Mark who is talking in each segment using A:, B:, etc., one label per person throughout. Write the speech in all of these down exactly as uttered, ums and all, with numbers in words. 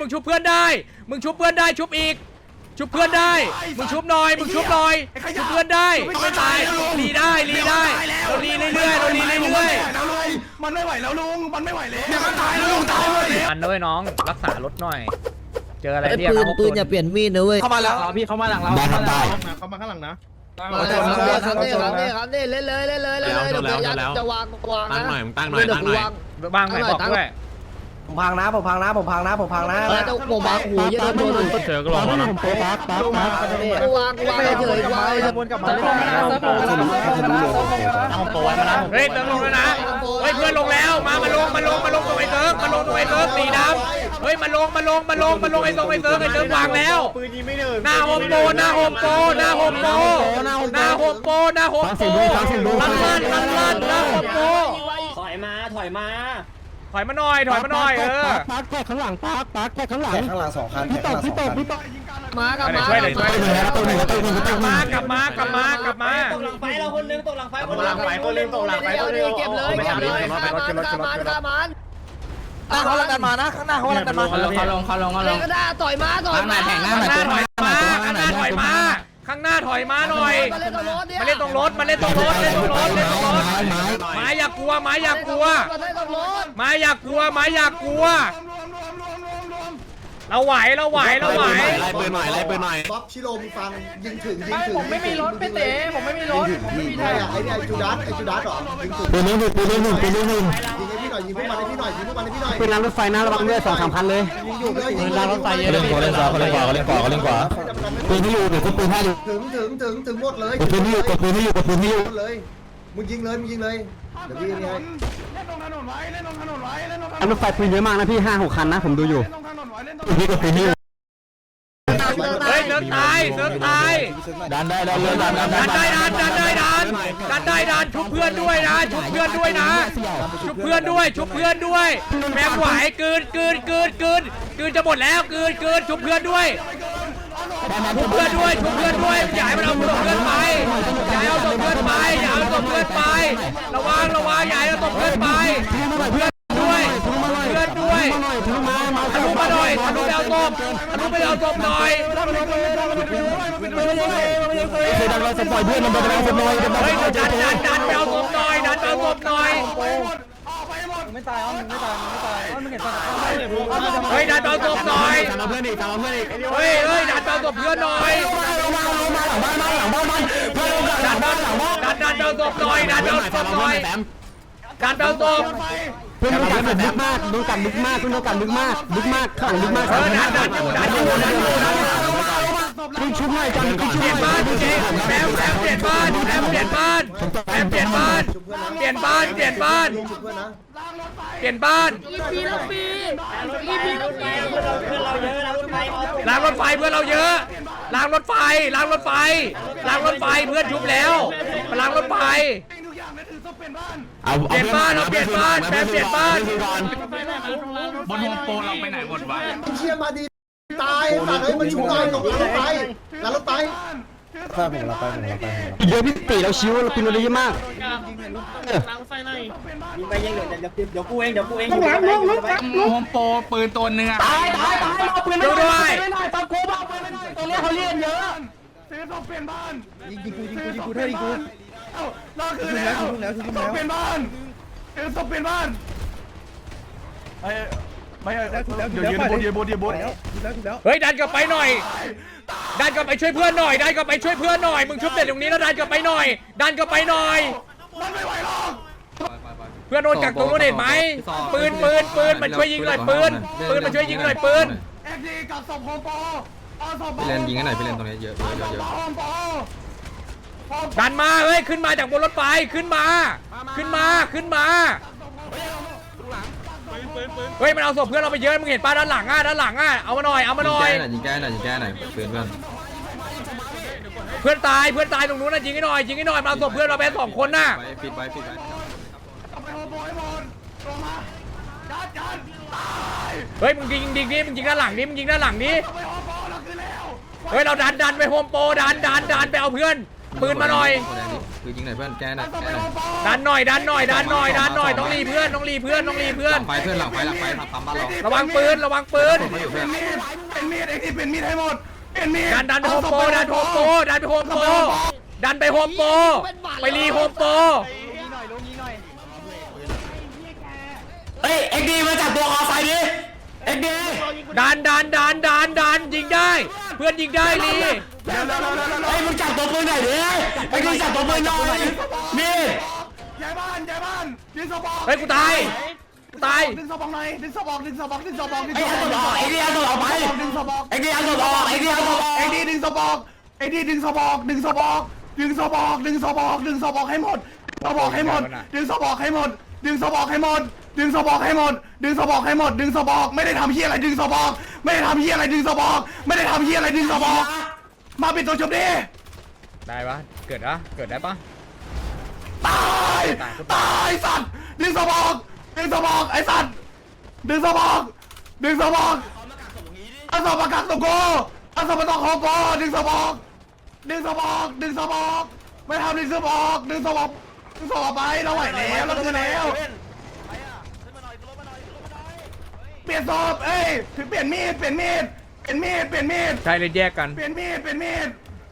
A: มึงชุบเพื่อนได้มึงชุบเพื่อนได้ชุบอีกชุบเพื่อนได้มึงชุบหน่อยมึงชุบหน่อยชุบเพื่อนได้ไม่ตายรีได้รีได้เรารีเรื่อยๆเรารีเรื่อยๆ
B: มันไม่ไหวแล้วลุงมันไม่ไหวแล้วมันตายแล้วลุงตายเลย
A: อันด้วยน้องรักษารถหน่อยเจออะไรเรียก
C: ปืนปืนอย่าเปลี่ยนมีดนะเว้ย
B: เข้ามาแล้ว
D: พี่เข้ามาหลังเราเข้ามาเข้ามาข้างหลังนะ
C: ครับนี่ครับนี่ครับนี่เล่นเลยเล่นเลยเล่นเลยเดี๋ยวจะวางวางนะตั้งหน่อย
D: ตั้งหน่อยตั้งหน่อยว
A: างไหนบอกด้วย
C: ผมพังนะผมพังนะผมพังนะผมพังนะต้องผมวางหูเยอะโดน
D: เจอก็ลองนะผมโป๊ะปั๊บปั๊บปั๊บ
C: วางวางเฉยวางเลยวนกลับมา
D: เอาโป๊ะมาแล้ว
A: เฮ้ยเติมลงแล้วนะเฮ้ยเพื่อนลงแล้วมามาลงมาลงมาลงตรงไอ้เติร์กมาลงตรงไอ้เติร์กสีดำเฮ้ยมาลงมาลงมาลงมาลงไอ้ตรงไอ้เติร์กไอ้เติร์กวางแล้วหน้าโฮมโปหน้าโฮมโปหน้าโฮมโปหน้าโฮมโปหน้าโฮมโปลั่นลั่นลั่นลั่นหน้าโฮมโป
E: ถอยมาถอยมา
A: ถอยมาหน่อยถอยมาหน่อยเออ
D: ปักแค่ข้างหลังปักปักแค่ข้างหลัง
C: ข้างหลังสองคัน
D: พี่ตบพี่ตบพี่ตบ
C: มากับมา
A: ช่วยเลยช่วยเลยกลับมากลับมากลับมากลับมา
E: ตกหลังไฟเราคนนึงตกหลังไฟคนนึง
D: หลังไฟคนนึงตกหลังไฟคนนึง
C: เก็บเลยเก็บเลยข้ามันข้ามันข้ามัน
B: หน้าเขาลังกันมานะข้างหน้าเขาลังกันมา
D: เขาลงเขาลงเขาลงเขาลง
C: ก็ได้ต่อยมาต่อยมา
A: ข้างหน้าถอยมาข้างหน้าถอยมาข้างหน้าถอยมาหน่อยมาเล่นตรงรถมาเล่นตรงรถมาเล่นตรงรถเล่นตรงรถเล่นตรงรถไม้อย่ากลัวไม้อย่ากลัวไม้อย่ากลัวไม้อย่ากลัวเราไหวเราไหวเราไหว
D: ไล่ปืนหน่อยไล่ปืนหน่อย
F: บ๊อบชิโร่ฟังยิงถึงยิงถึง
B: ผมไม่มีรถพี่เต๋ผมไม่มีรถผมไม่มีไทย
F: ไอ้เนี่ยไอ้จูดัสไอ้จูดัสหรอยิงถึง
D: ปืนนี้หนึ่งปืนนี้หนึ่งปืนนี้หนึ่ง
F: ยิงให้พี่หน่อยยิงพวกมันให้พี่หน่อยยิงพวกมันให้พี่หน่อย
D: ปืนรางรถไฟนะระวังด้วยสองสามพันเลย
F: ยิงอยู่เลยยิง
D: รางรถไฟเยอะเลยเขาเล่นขวาเขาเล่นขวาเขาเล่นขวาเขาเล่นขวาปืนที่อยู่เดี๋ยวปืนให้อยู่
F: ถึงถึงถึงถึงหมดเลย
D: กดปืนที่อยู่กดปืนที่อยู่กดปืนที่อยู่
F: เลยมึงยิงเลยมึงยิงเลยเดี๋ยวพี่นี่ไง
B: เล่นตรงถนนไว้เล่นตรงถนนไว้เล่นตรงถนน
D: รางรถไฟปืนเยอะมากนะพี่ห้าหกคันนะผมดูอยู่พี่กดปืนที่อยู่
A: เฮ้ยเซิร์ฟตายเซิร์ฟตาย
D: ดันได้ดันเลยดันดัน
A: ดันได้ดันดันได้ดันดันได้ดันชุบเพื่อนด้วยนะชุบเพื่อนด้วยนะชุบเพื่อนด้วยชุบเพื่อนด้วยแม็กไหวกืนกืนกืนกืนกืนจะหมดแล้วกืนกืนชุบเพื่อนด้วยชุบเพื่อนด้วยชุบเพื่อนด้วยอย่าให้มันเอาศพเพื่อนไปอย่าให้เอาศพเพื่อนไปอย่าเอาศพเพื่อนไประวังระวังอย่าให้เอาศพเพื่อนไปเพื่อนด้วยเพื่อนด้วยทะลุมาหน่อยทะลุไปเอาศพทะลุไปเอาศพหน่อย
D: เคยดันเราสปอยเพื่อนมันไปเอาศพหน่อย
A: เฮ้ยดันดันดันไปเอาศพหน่อยดันไปเอาศพหน่อย
B: ไม่ตายอ๋อไม่ตายไม่ตายอ๋อไม่เห็นตาย
A: เฮ้ยดันไปเอาศพหน่อย
D: ตามเพื่อนอีกตามเพื่อนอีก
A: เฮ้ยเฮ้ยดันไปเอาศพเพื่อนหน่อยดันดันดันดันไปเอาศพหน่อยดันไปเอาศพหน่อยดันไปเอาศพ
D: เพื่อนต้องการลึกมากต้องการลึกมากเพื่อนต้องการลึกมากลึกมากข้างลึกมาก
A: เออดันดันอยู่ดันอยู่ดันอยู่ดันอยู่
D: ชุบหน่อยจันชุบ
A: เปลี่ยนบ้านเจ๊แซมแซมเปลี่ยนบ้านแซมเปลี่ยนบ้านแซมเปลี่ยนบ้านเปลี่ยนบ้านเปลี่ยนบ้านเปลี่ยนบ้าน
C: อีพีละปีอีพีละปี
E: เพื่อนเราเยอะแล้วไป
A: ล้างรถไฟเพื่อนเราเยอะล้างรถไฟล้างรถไฟล้างรถไฟเพื่อนชุบแล้วมาล้างรถไฟ
D: เอา
A: เปลี่ยนบ้านเราเปลี่ยนบ้านแซมเปลี่ยนบ้าน
D: บนโฮมโปรเราไปไหนหมดวะ
F: เชี่ยมาดีตายสัตว์เอ้ยมันชุบหน่อยตกรถไฟแล้วรถไฟ
C: ข้าผมเราไปผมเราไป
D: เยอะพี่ตีเราชิวเราปีนเราเยอะมาก
E: ยิงไปยิงเดี๋ยวเดี๋ยวเดี๋ยวกูเองเดี๋ยวกูเอง
D: โฮมโปรปืนตัวนึงอะตายตายตายเอาปืนไม่ได้ไม่ได้ตามกูเอาปืนไม่ได้ตรงนี้เขาเรียนเยอะ
B: ซื้อต้องเปลี่ยนบ้าน
F: ยิงยิงกูยิงกูยิงกูเท่ายิงกู
B: เอ้าเราคือแล้วต้องเปลี่ยนบ้านเออต้องเปลี่ยนบ้านไอ้ไม่เดี๋ยวยืนบนยืนบนยืนบน
A: เฮ้ยดันกลับไปหน่อยดันกลับไปช่วยเพื่อนหน่อยดันกลับไปช่วยเพื่อนหน่อยมึงชุบเสร็จตรงนี้แล้วดันกลับไปหน่อยดันกลับไปหน่อย
B: มันไม่ไหวหรอก
A: เพื่อนโดนกักตรงนู้นเห็นไหมปืนปืนปืนมันช่วยยิงหน่อยปืนปืนมันช่วยยิงหน่อยปืน
B: เอ็กดีกับศพโฮมโปรเอาศพ
D: ไปเล่นยิงกันหน่อยไปเล่นตรงนี้เยอะเยอะเยอะเยอะ
B: โฮมโปร
A: ดันมาเฮ้ยขึ้นมาจากบนรถไฟขึ้นมาขึ้นมาขึ้นมาเฮ้ยมันเอาศพเพื่อนเราไปเยอะมึงเห็นป้าด้านหลังอ่ะด้านหลังอ่ะเอามาหน่อยเอามาหน่อย
D: ยิงแก้หน่อยยิงแก้หน่อยเพื่อนเพื่อน
A: เพื่อนตายเพื่อนตายตรงนู้นนะยิงให้หน่อยยิงให้หน่อยมันเอาศพเพื่อนเราไปสองคนน่ะ
D: ไปปิดไว้ปิดไว้
B: เอาไปโฮมโปรให้หมดลงมาจัดจัดตาย
A: เฮ้ยมึงยิงยิงดิมึงยิงด้านหลังดิมึงยิงด้านหลังดิ
B: เอาไปโฮมโปรเราคือแล้ว
A: เฮ้ยเราดันดันไปโฮมโปรดันดันดันไปเอาเพื่อนปืนมาหน่อย
D: โ
C: คือยิงหน่อยเพื่อนแกหน่อยแกหน่อย
A: ดันหน่อยดันหน่อยดันหน่อยดันหน่อยต้องรีเพื่อนต้องรีเพื่อนต้องรีเพื่อน
C: ไฟเพื่อนหลังไฟหลังไฟทำปั๊มบ้านเรา
A: ระวังปืนระวังปืน
B: เป็นมีดเป็นมีดไอ้ที่เป็นมีดให้หมดเป็นมีด
A: ดันดันไปโฮมโปรดันไปโฮมโปรดันไปโฮมโปรดันไปโฮมโปรไปรีโฮมโปร
D: เฮ้ยเอ็กดีมาจับตัวคอไฟดิเอ็กดี
A: ดันดันดันดันดันยิงได้ เพื่อนยิงได้ลี
B: เร็วเร็วเร็วเร็วเร็ว
D: เฮ้ยมึงจับตัวปืนหน่อยดิเอ็กดีจับตัวปืนหน่อยนี่
B: ย้ายบ้านย้ายบ้านดึงสปอง
A: เฮ้ยกูตายกูตาย
B: ดึงสปองหน่อยดึงสปองดึงสปองดึงสปองดึง
D: ไอ้
B: ส
D: เอา
B: ป
D: ตัวออกไอ้ดีเอาตัวออกไป
B: องดึงสปอง
D: ไอ้ดีเอาตัวออกไอ้ดีเอาตัวออก
B: ไอ้ดีดึงสปองไอ้ดีดึงสปองดึงสปองดึงสปองดึงสปองดึงสปองให้หมดสปองให้หมดดึงสปองให้หมดดึงสปองให้หมดดึงสปองให้หมดดึงสปองให้หมดดึงสปองไม่ได้ทำเหี้ยอะไรดึงสปองไม่ได้ทำเหี้ยอะไรดึงสปองไม่ได้ทำเหี้ยอะไรดึงสปองมาปิดตัวจบดิ
A: ได้ปะเกิดนะเกิดได้ปะ
B: ตายตายสัตว์ดึงสปองดึงสปองไอ้สัตว์ดึงสปองดึงสปองเอาสปองกักตัวกูเอาสปองตองของกูดึงสปองดึงสปองดึงสปองไม่ทำดึงสปองดึงสปองดึงสปองไปเราไหวแล้วเราคือแล้วเปลี่ยนศพเอ้ยถือเปลี่ยนมีดเปลี่ยนมีดเปลี่ยนมีดเปลี่ยนมีด
A: ใช่เลยแยกกัน
B: เปลี่ยนมีดเปลี่ยนมีด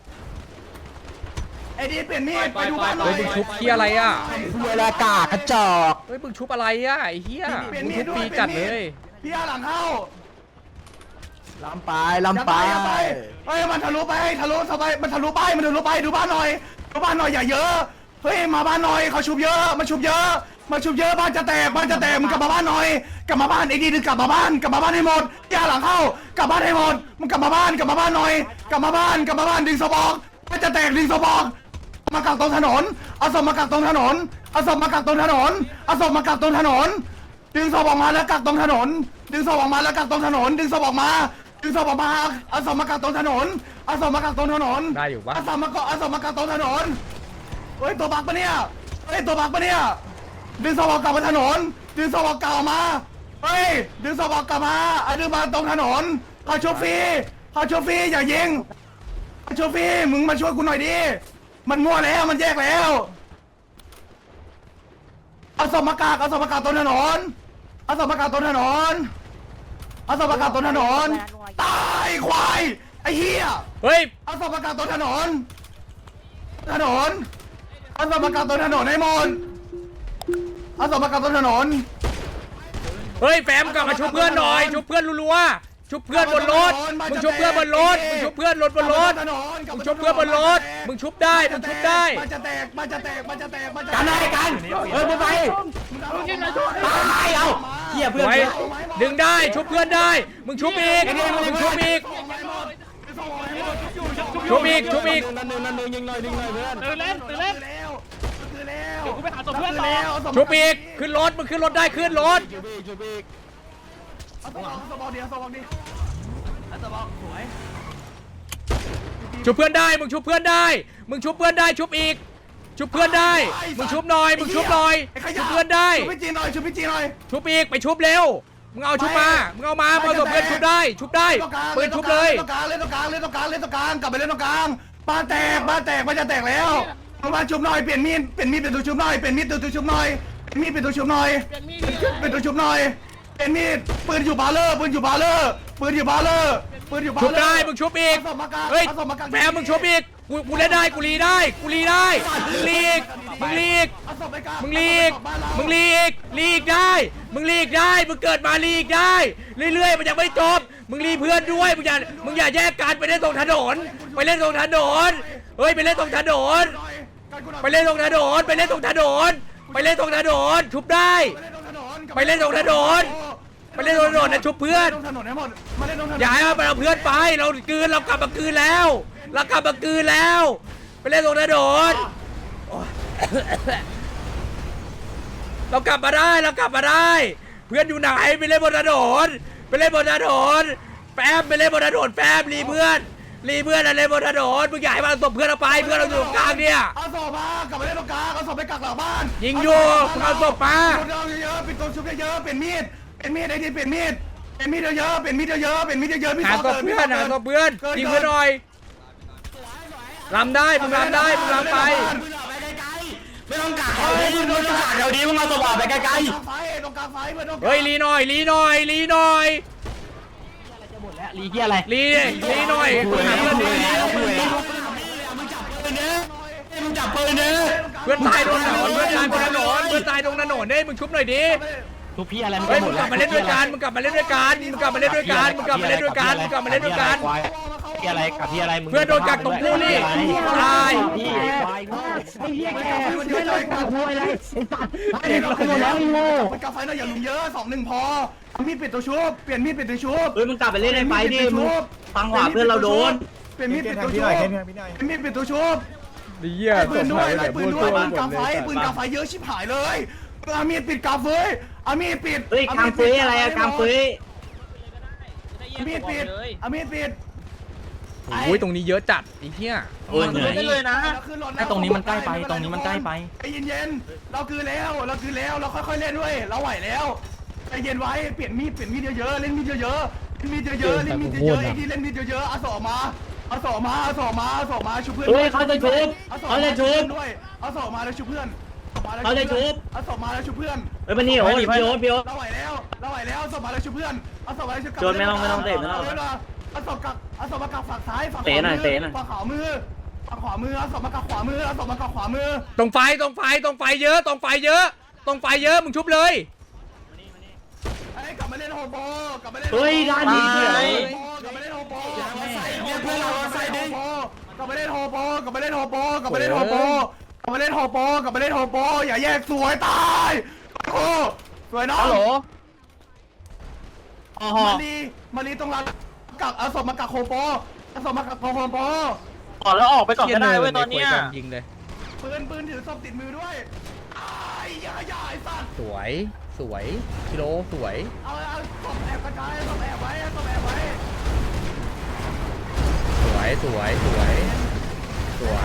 B: ไอ้ดีเปลี่ยนมีดไปดูบ้านหน่
A: เฮ้
B: อย ย
A: มึงชุบเฮียอะไรอ่ะ
D: เวลากากระจอก
A: เฮ้ยมึงชุบอะไรอ่ะไอ้เฮีย
B: เปลี่ยน
A: มึง
B: มี
A: ชุ
B: ด
A: บ
B: ด้วย
A: ปีจัดเลย
B: พี่อาหลังเข้า
D: ลำไปลำไป
B: อย่าไปเฮ้ยมันทะลุไปทะลุสบายมันทะลุไปมันทะลุไปดูบ้านหน่อยดูบ้านหน่อยอย่าเยอะเฮ้ยมาบ้านหน่อยเขาชุบเยอะมาชุบเยอะมาชุบเยอะบ้านจะแตกบ้านจะแตกมึงกลับมาบ้านหน่อยกลับมาบ้านไอ้ดีดึงกลับมาบ้านกลับมาบ้านให้หมดพี่อาหลังเข้ากลับบ้านให้หมดมึงกลับมาบ้านกลับมาบ้านหน่อยกลับมาบ้านกลับมาบ้านดึงสปองบ้านจะแตกดึงสปองมากักตรงถนนเอาศพมากักตรงถนนเอาศพมากักตรงถนนเอาศพมากักตรงถนนดึงศพออกมาแล้วกักตรงถนนดึงศพออกมาแล้วกักตรงถนนดึงศพออกมาดึงศพออกมาเอาศพมากักตรงถนนเอาศพมากักตรงถนน
A: ได้อยู่ปะ
B: เอาศพมากักเอาศพมากักตรงถนนเฮ้ยตัวบักปะเนี่ยเฮ้ยตัวบักปะเนี่ยดึงศพออกกลับมาถนนดึงศพออกกลับมาเฮ้ยดึงศพออกกลับมาเอาดึงมาตรงถนนเขาโชฟรีเขาโชฟรีอย่ายิงเขาโชฟรีมึงมาช่วยกูหน่อยดิมันมั่วแล้วมันแยกแล้วเอาศพมากากเอาศพมากากตรงถนนเอาศพมากากตรงถนนเอาศพมากากตรงถนนตายควายไอ้เหี้ย
A: เฮ้ย
B: เอาศพมากางตรงถนน ถนน เอาศพมากางตรงถนนให้หมดเอาศพมากางตรงถนน
A: เฮ้ยแฟมกลับมาชุบเพื่อนหน่อยชุบเพื่อนรัวๆชุบเพื่อนบนรถมึงชุบเพื่อนบนรถมึงชุบเพื่อนรถบนรถ
B: ถนน
A: มึงชุบเพื่อนบนรถมึงชุบได้มึงชุบได้
B: มันจะแตกมันจะแตกมันจะแตกมันจะแตก
D: กันอะไรกันเฮ้ยมึงไปตายเอาเหี้ยเพื่อน
A: ไว้ดึงได้ชุบเพื่อนได้มึงชุบอีกมึงชุบอีกชุบอีกชุบอีก
D: นั่นนึงนั่นนึงยิงหน่อยยิงหน่อยเพื่อน
E: ตื่นเล่นตื่นเล่น
B: แล้วคือแล้ว
E: เดี๋ยวกูไปหาศพเพื่อนต่อ
A: ชุบอีกขึ้นรถมึงขึ้นรถได้ขึ้นรถ
D: ชุบอีกชุบอีก
B: เอาศพออกเอาศพออกดิเอาศพออกดิเอาศพออกสวย
A: ชุบเพื่อนได้มึงชุบเพื่อนได้มึงชุบเพื่อนได้ชุบอีกชุบเพื่อนได้มึงชุบหน่อยมึงชุบหน่อย
B: ไขยะ
A: ชุบเพื่อนได้
B: ชุบพี่จีนหน่อยชุบพี่จีนหน่อย
A: ชุบอีกไปชุบเร็วมึงเอาชุบมามึงเอามาเอาศพเพื่อนชุบได้ชุบได้ปืนชุบเลย
B: เล่นตรงกลางเล่นตรงกลางเล่นตรงกลางเล่นตรงกลางกลับไปเล่นตรงกลางบ้านแตกบ้านแตกบ้านจะแตกแล้วเอามาชุบหน่อยเปลี่ยนมีดเปลี่ยนมีดเป็นตัวชุบหน่อยเปลี่ยนมีดเป็นตัวชุบหน่อยเปลี่ยนมีดเป็นตัวชุบหน่อยเป็นตัวชุบหน่อยเปลี่ยนมีดปืนอยู่บาเลอร์ปืนอยู่บาเลอร์ปืนอยู่บาเลอร์ปืนอยู่บาเลอร์
A: ชุบได้มึงชุบอีก
B: าศพมากาง
A: เฮ้ย
B: อาศพมากาง
A: แฟมมึงชุบอีกกูกูเล่นได้กูรีได้กูรีได้มึงลีกมึงลีก
B: เอาศพไปกาง
A: มึงลีก
B: เอาศพบ้านเรา
A: มึงลีกลีกได้มึงลีกได้มึงเกิดมาลีกได้เรื่อยๆมันยังไม่จบมึงรีเพื่อนด้วยมึงอย่ามึงอย่าแยกกันไปเล่นตรงถนนไปเล่นตรงถนนเฮ้ยไปเล่นตรงถนน ไปเล่นตรงถนนไปเล่นตรงถนนไปเล่นตรงถนนชุบได้ ไปเล่นตรงถนน ไปเล่นตรงถนนนะชุบเพื่อน
B: มาเล่นตรงถนนให้หมดมาเล่นตรงถนน
A: อย่าให้มันเอาเพื่อนไปเราคืนเรากลับมาคืนแล้ว เรากลับมาคืนแล้ว ไปเล่นตรงถนนโอ๊ยเรากลับมาได้เรากลับมาได้ เพื่อนอยู่ไหนไปเล่นบนถนนไปเล่นบนถนนแฟมไปเล่นบนถนนแฟมรีเพื่อนรีเพื่อนอะไรบนถนนมึงอยากให้มันเอาศพเพื่อนเราไปเพื่อนเราอยู่ตรงกลางเนี่ย
B: เอาศพมากลับไปเล่นตรงกลางเอาศพไปกักหลังบ้าน
A: ยิงอยู่มึงเอาศพมา
B: เอาเยอะๆปิดตัวชุบเยอะๆเป็นมีดเป็นมีดไอ้ที่เป็นมีดเป็นมีดเยอะๆเป็นมีดเยอะๆเป็นมีดเยอะๆพี่
A: หาศพเพื่อนหาศพเพื่อนยิงเพื่อนหน่อยลำได้มึงลำได้มึงลำไป
D: ปืนออกไปไกลไม่ต้องกาดแถวนี้ไม่ต้องกาดแถวนี้มึงเอาสว่านไปไกล
B: ตรงกลางไฟตรงกลางไฟเพื่อนตรงกลาง
A: เฮ้ยลีหน่อยลีหน่อยลีหน่อย
D: ลีเกียอะไร
A: ลีลีหน่อยคุยหาเพื่อนดิ
D: มึงจับปืนเด้อ
A: เพื่อนตายตรงถนนเพื่อนตายบนถนนเพื่อนตายตรงถนนเด้มึงชุบหน่อยดิ
D: ทุกพี่อะไร
A: เฮ้ยมึงกลับมาเล่นด้วยกันมึงกลับมาเล่นด้วยกันมึงกลับมาเล่นด้วยกันมึงกลับมาเล่นด้วยกันมึงกลับมาเล่นด้วยกัน
D: พี่อะไรกับพี่อะไรมึง
A: เพื่อนโดนกักตรงกูนี่ตาย
D: พี่ควายโง่ไอ้เหี้ยแกไม่เลยกับกูอะไรไอ้สัตว์
B: เด็กเราขโมยแล้วโง่กาไฟหน่อยอย่าลุมเยอะสองหนึ่งพอมีดปิดตัวชุบเปลี่ยนมีดปิดตัวชุบ
C: เฮ้ยมึงกลับไปเล่นในไฟดิมึงฟังหวาเพื่อนเราโดน
B: เปลี่ยนมีดปิดตัวชุบเปลี่ยนมีดปิดตัวชุบ
A: ดีเยี่ย
B: ปืนด้วยปืนด้วยปืนกาไฟปืนกาไฟเยอะชิบหายเลยอามีดปิดกาไฟอามีดปิด
C: เฮ้ยกางเฟ้อะไรอะกางเฟ้
B: อามีดปิดอามีดปิด
A: โอ้ยตรงนี้เยอะจัดไอ้เหี้ย
C: โอ้ยเหนื่อยได้เลยนะ
D: ไอ้ตรงนี้มันใกล้ไปตรงนี้มันใกล้ไป
B: ใจเย็นๆเราคือแล้วเราคือแล้วเราค่อยๆเล่นด้วยเราไหวแล้วใจเย็นไว้เปลี่ยนมีดเปลี่ยนมีดเยอะๆเล่นมีดเยอะๆเล่นมีดเยอะๆเล่นมีดเยอะๆไอ้ที่เล่นมีดเยอะๆเอาสอมาเอาสอมาเอาสอมาเอาสอมาชุบเพื่อน
C: เฮ้ยเขาจะชุบ
B: เอาสอ
C: เขา
B: มา
C: จะชุบ
B: ด้วยเอาสอมาแล้วชุบเพื่อน
C: เขาจะชุบ
B: เอาสอมาแล้วชุบเพื่อน
C: เฮ้ยมันนี่โอ้ยพี่โอ๊ตพี่โอ๊ต
B: เราไหวแล้วเราไหวแล้วเอาสอมาแล้วชุบเพื่อนเอาสอมาแล้วชุบ
C: โจรไม่ต้องไม่ต้องเตะไม่ต้อง
B: เอาสอกับเอาสอมากับฝั่งซ้ายฝั่งข
C: เตะ
B: วา
C: หน่อย
B: มือ
C: เตะหน่อย
B: ฝั่งขวามือฝั่งขวามือเอาสอมากับขวามือเอาสอมากับขวามือ
A: ตรงไฟตรงไฟตรงไฟเยอะตรงไฟเยอะตรงไฟเยอะมึงชุบเลย
B: ไอ้กลับมาเล่นโฮโปกลับมาเล่น
C: เฮ้ยร้านนี้เฉย
B: กลับมาเล่นโฮโปเพื่อนเราใส่ดิกลับมาเล่นโฮโปกลับมาเล่นโฮโปกลับมาเล่นโฮโปกลับมาเล่นโฮโปกลับมาเล่นโฮโปอย่าแยกสวยตายโอ้สวยน้อง
D: ฮัลโหล
B: มาลีมาลีตรงร้านกักเอาศพมากักโฮโปเอาศพมากักโฮโป
D: ออกแล้วออกไปก่อนก็ได้เว้ยตอนเนี้ย
A: ยิงเลย
B: ปืนปืนถือศพติดมือด้วยไอ้ยาใหญ่สัตว์
A: สวยสวยกิโลสวย
B: เอาเอาศพแอบกระจายศพแอบไว้ศพแอบไว้
A: สวยสวยสวยสวย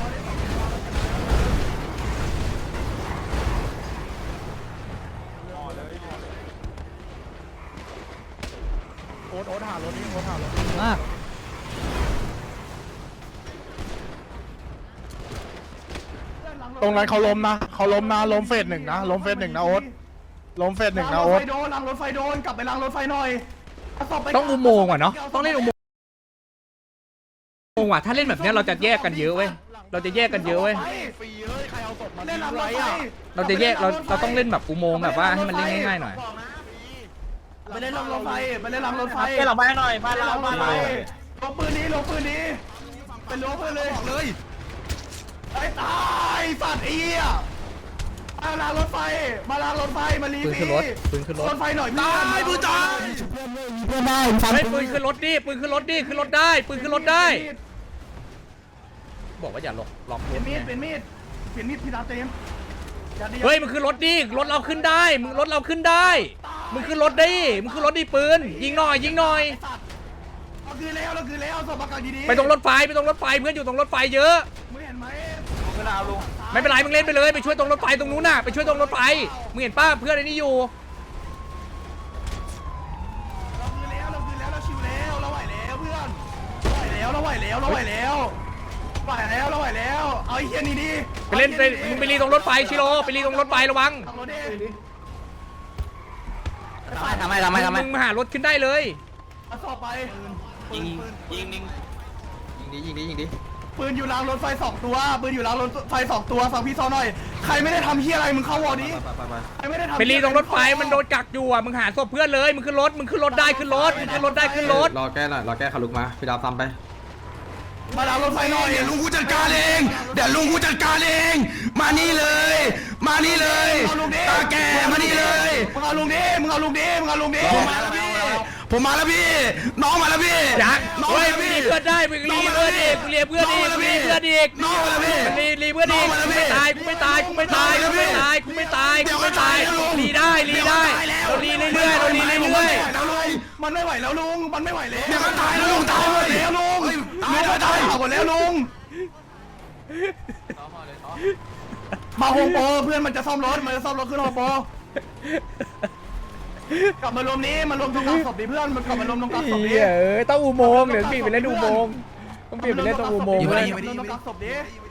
G: ตรงนั้นเขาล้มนะเขาล้มนะล้มเฟสหนึ่งนะล้มเฟสหนึ่งนะโอ๊ตล้มเฟสหนึ่งนะโอ๊ต
B: ล้างรถไฟโดนล้างรถไฟโดนกลับไปล้างรถไฟหน่อยเอาศพไป
A: ต้องอุโมงค์ว่ะเนาะต้องเล่นอุโมงค์อุโมงค์ว่ะถ้าเล่นแบบเนี้ยเราจะแยกกันเยอะเว้ยเราจะแยกกันเยอะเว้ย
G: ฟรีเอ้ยใครเอาศพมา
B: เล่นล้างรถไฟ
A: เราจะแยกเราเราต้องเล่นแบบอุโมงค์แบบว่าให้มันเล่นง่ายๆหน่อย
B: ไปเล่นล้างรถไฟไปเล่นล้างรถไฟ
D: เล่นหลังบ้านหน่อยบ้านเราบ้านเรา
B: ลงปืนนี้ลงปืนนี้เป็นลงปืนเลยเลยไอ้ตายสัตว์เอี้ยมาล้างรถไฟมาล้างรถไฟมาลี
A: ปืนขึ้นรถปืนขึ้นรถ
B: รถไฟหน่อยตายปืนจ้า
A: เฮ้ยปืนขึ้นรถดิปืนขึ้นรถดิขึ้นรถได้ปืนขึ้นรถได้ บอกว่าอย่าล็อกล็อก
B: เปลี่ยนมีดเปลี่ยนมีดเปลี่ยนมีดพี่ดาเต็ม
A: เฮ้ยมึงขึ้นรถดิรถเราขึ้นได้มึงรถเราขึ้นได้มึงขึ้นรถดิมึงขึ้นรถดิปืนยิงหน่อยยิงหน่อย
B: เราคือแล้วเราคือแล้วสมการดีๆ
A: ไปตรงรถไฟไปตรงรถไฟเพื่อนอยู่ตรงรถไฟเยอะ
B: มึงเห็นไหม
A: ไม่เป็นไรมึงเล่นไปเลยไปช่วยตรงรถไฟตรงนู้นน่ะไปช่วยตรงรถไฟมึงเห็นป้าเพื่อนไอ้นี่อยู่
B: เราคือแล้วเราคือแล้วเราชิวแล้วเราไหวแล้วเพื่อนเราไหวแล้วเราไหวแล้วเราไหวแล้วไหวแล้วเราไหวแล้วเอาไอ้เฮียนี่ดิ
A: ไปเล่นไปมึงไปรีตรงรถไฟชิโร่ไปรีตรงรถไฟระวัง
B: ขับรถดิ
D: ทำไมทำไมทำไม
A: มึงมาหารถขึ้นได้เลย
B: เอาสอบไป
D: ยิงยิงยิงยิงดิยิงดิยิงดิ
B: ปืนอยู่รางรถไฟสองตัวปืนอยู่รางรถไฟสองตัวฟังพี่ซอหน่อยใครไม่ได้ทำเฮียอะไรมึงเข้าวอร์ดิใครไม่ได้ทำ
A: ไปรีตรงรถไฟมันโดนกักอยู่อ่ะมึงหาศพเพื่อนเลยมึงขึ้นรถมึงขึ้นรถได้ขึ้นรถมึงขึ้นรถได้ขึ้นรถ
H: รอแก้หน่อยรอแก้ขาลุกมาพี่ดาวซ้ำไป
B: มารางรถไฟหน่อย
G: เดี๋ยวลุงกูจัดการเองเดี๋ยวลุงกูจัดการเองมานี่เลย มานี่เลยตาแกมานี่เลย
B: มึงเอาลุงดิมึงเอาลุงดิมึงเอาลุงดิ
G: ผมมาแล้วพี่ผมมาแล้วพี่น้องมาแล้วพี่
A: จัก
G: น้อง
A: เฮ้
G: มาย แล้ว
A: มึง
G: พี่
A: รีเพื่อนได้มึงรีเพื่อนอีกมึงรีเพื่อนอีกมึงรีเพื่อนอีก
G: น้องมาแล้วพี่
A: มึงรีรีเพื่อนอีก
G: น้องมา
A: กู
G: แล้วพี่
A: ไม่ตายกูไม่ตายกูไม่ตายกูไม่ตายกูไม่ตายกูไม่ตายรีได้รีได้เรารีเรื่อยๆเรารีเรื่อย
G: แล้วลุง
B: มันไม่ไหวแล้วลุงมันไม่ไหวแล้ว
G: เดี๋ยวมันตายแล้วลุงตายเลย
B: แล้วลุง
G: ตายแล้วตาย
B: หมดแล้วลุงมาโฮมโปรเพื่อนมันจะซ่อมรถมันจะซ่อมรถขึ้นโฮมโปรกลับมารวมนี้มารวมตรงกลางศพดิเพื่อนมันกลับมารวมตรงกลางศพดิ
A: เอ้ยต้องอุโมงค์เดี๋ยวพี่ไปเล่นอุโมงค์ต้องเปลี่ยนไปเล่นตรงอุโมงค์
B: มาร
A: เล
B: วย มตรงกลางศพดิ